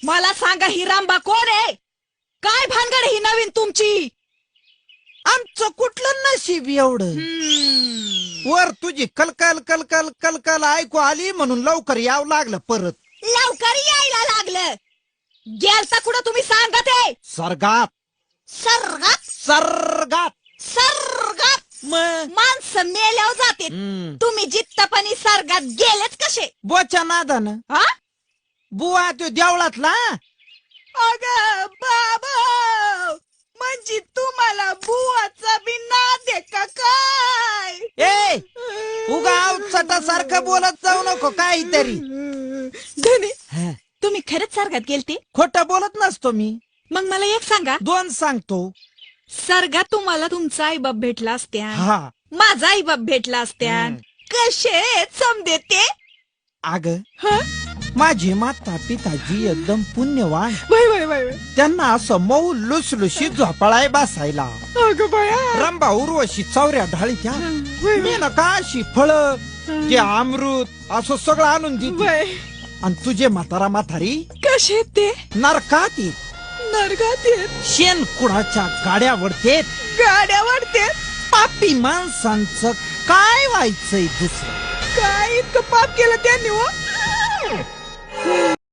मला सांगा ही रामबा कोण आहे? काय भानगड ही नवीन तुमची? आमचं कुठलं नशीब एवढं वर तुझी कलकल कलकल कलकल ऐकू आली म्हणून लवकर यावं लागलं परत. लवकर यायला लागलं. गेलता कुठं तुम्ही सांगा ते? सर्गात सर्गात सर्गात सर्गात मग माणसं मेल्यावर जाते. तुम्ही जित्तपणी सर्गात गेलेच कसे? बोच्या नादानं हा? बुवा तो देवळातला. अग बाबा, म्हणजे तुम्हाला बुवाचा बी नाद आहे का काय? ए उगा सारखं बोलत जाऊ नको काहीतरी. धनी, हा, तुम्ही खरंच सर्गात गेलते? खोटं बोलत नसतो मी. मग मला एक सांगा, दोन सांगतो. सर्गात तुम्हाला तुमचा आईबाप भेटला असत्या, हा माझा आईबाप भेटला असत्या, कसे समजे ते? अग हं? माझी माता पिताजी एकदम पुण्यवान. Bye bye bye. त्यांना असं मऊ लुसलुशीत झोपाळाय बसायला. अगं बाया. रंबा उर्वशी चौऱ्या ढाळीच्या मेनका अशी फळ ते अमृत असं सगळं आणून देते. बाय. आणि तुझे म्हातारा म्हातारी कसे ते? नरकात येत. नरकात येत. शेण कुणाच्या गाड्या वडतेत. गाड्या वाढते. पापी माणसांचं काय व्हायचंय दुसरं? काय इतकं पाप केलं त्यांनी हो?